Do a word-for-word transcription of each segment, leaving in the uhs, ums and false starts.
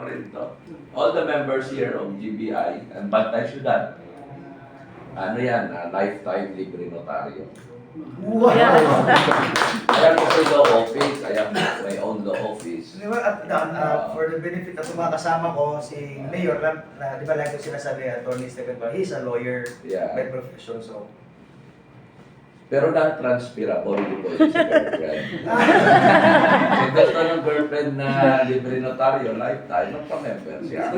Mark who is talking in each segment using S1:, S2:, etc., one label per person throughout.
S1: rin to. All the members here of G B I and Bantay Ciudad, ano yan, uh, lifetime libre notaryo.
S2: Wow!
S1: I have also law office. I have my own law office.
S2: Di ba, at uh, uh, for the benefit at mga kasama ko, si Mayor, na, na, di ba like ko sinasabi, Attorney Stephen Bar, he's a lawyer
S1: Yeah.
S2: by profession, so.
S1: Pero non-transferable po yung sa girlfriend. Kung gusto ng girlfriend na libre notaryo, lifetime, magpa-member siya.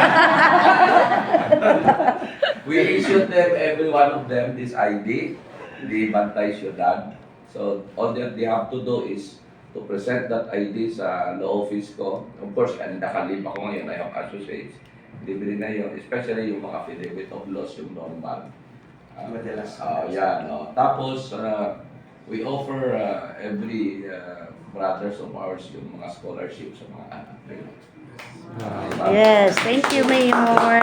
S1: We issued them, every one of them, this I D, the Bantay Ciudad. So, all that they have to do is to present that I D sa law office ko. Of course, yan, nakalib ako ngayon, I have associates. Libre na yun, especially yung mga affidavit of loss, yung normal. Uh,
S2: Madalas.
S1: uh, yan, no. Tapos, uh, we offer uh, every uh, brothers of ours yung mga scholarship sa mga anak. Uh,
S3: Yes, thank you, Mayor.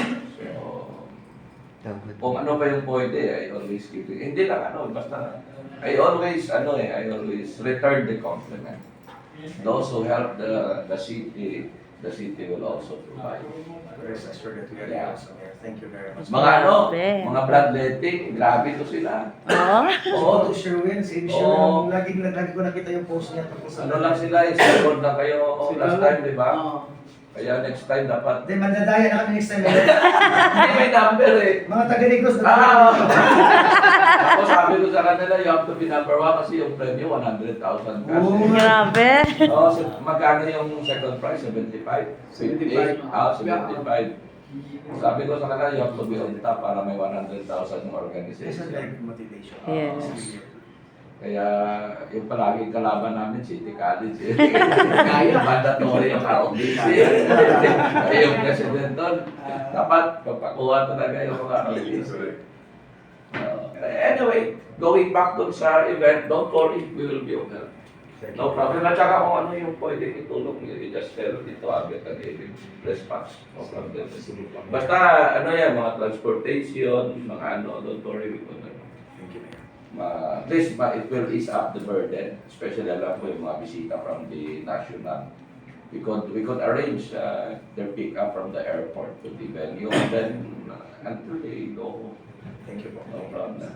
S1: So, kung ano pa yung pwede, I always give it. Hindi lang ano, basta, I always, ano eh, I always return the compliment. Those who help the, the city, the city will also provide.
S2: Rest assured that we are
S1: Yeah.
S2: also here. Thank you very much.
S1: Mga ano,
S3: Grabe.
S1: mga bloodletting, grabe to sila.
S3: Oh,
S2: Oo, to Sherwin, si
S1: Oo.
S2: Sherwin, lagi, lagi ko nakita yung post niya. tungkol sa-
S1: Ano lang sila, isunod na kayo last time, di ba? Kaya next time dapat.
S2: Hindi, mandadaya na kami next time.
S1: Hindi, may number eh.
S2: Mga taga-Negros na
S1: Ah! Ako sabi ko sa kanila, you have to be number one kasi yung premyo, one hundred thousand cash.
S2: Oo.
S3: grabe.
S1: Oh, so, magkano yung second prize? seventy-five?
S4: seventy-five.
S1: Ah, seventy-five. Sabi ko sa kanila, you have to be on top para may one hundred thousand
S2: This is
S1: organization.
S2: like motivation.
S3: Yes.
S1: Kaya yung palaging kalaban namin, City College. Eh. Kaya mandatory yung R O D C. Kaya yung president doon, dapat papakuha talaga yung mga R O D C. Uh, anyway, going back dun sa event, don't worry, we will be okay. No problem. At saka kung ano yung pwede itulong, you just tell dito agad at i- response. No problem. Basta ano yan, mga transportation, mga ano, don't worry, we will
S2: Thank you, Mayor.
S1: uh, at least ma- it will ease up the burden, especially alam ko yung mga bisita from the national. We could we could arrange uh, their pick up from the airport to the venue and then uh, until they go,
S2: Thank you po.
S1: no problem.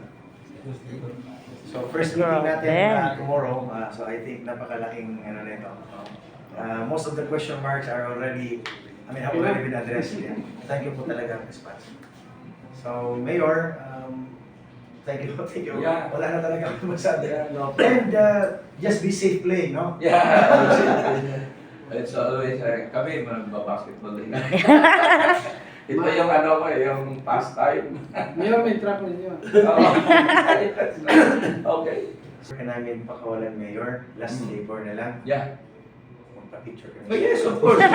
S2: So first meeting natin
S3: Grabe.
S2: uh, tomorrow, uh, so I think napakalaking ano nito. Uh, most of the question marks are already, I mean, have already been addressed. Yeah. Thank you po talaga, Miz Pats. So Mayor, um, thank you, thank you.
S1: Yeah.
S2: Wala na talaga akong masabi.
S1: Yeah, no
S2: And uh, just be safe playing, no?
S1: Yeah. It's always, uh, kami magbabasketball din. Ito yung ano ko, eh, yung pastime.
S4: Mayor, may truck ninyo.
S1: Oo. Okay.
S2: Kaya namin pakawalan, Mayor. Last
S1: Mm.
S2: favor na lang.
S1: Yeah.
S2: Magpa-picture kami.
S1: Oh, yes, of course.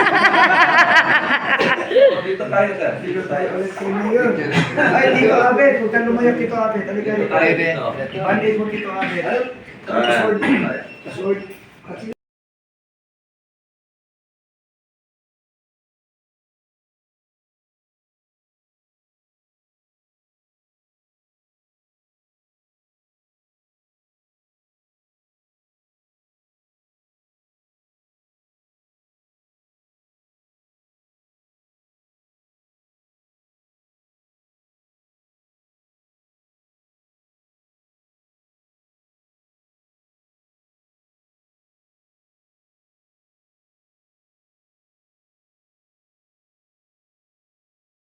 S1: Oh, dito tayo, sir.
S2: Dito tayo ulit kay Mayor. Ay, Tito Abed. Huwag kang lumayag, Tito Abed. Halika
S1: Dito
S2: dito.
S1: tayo dito.
S2: Bandit mo, Tito Abed. Ano? Sword. Sword.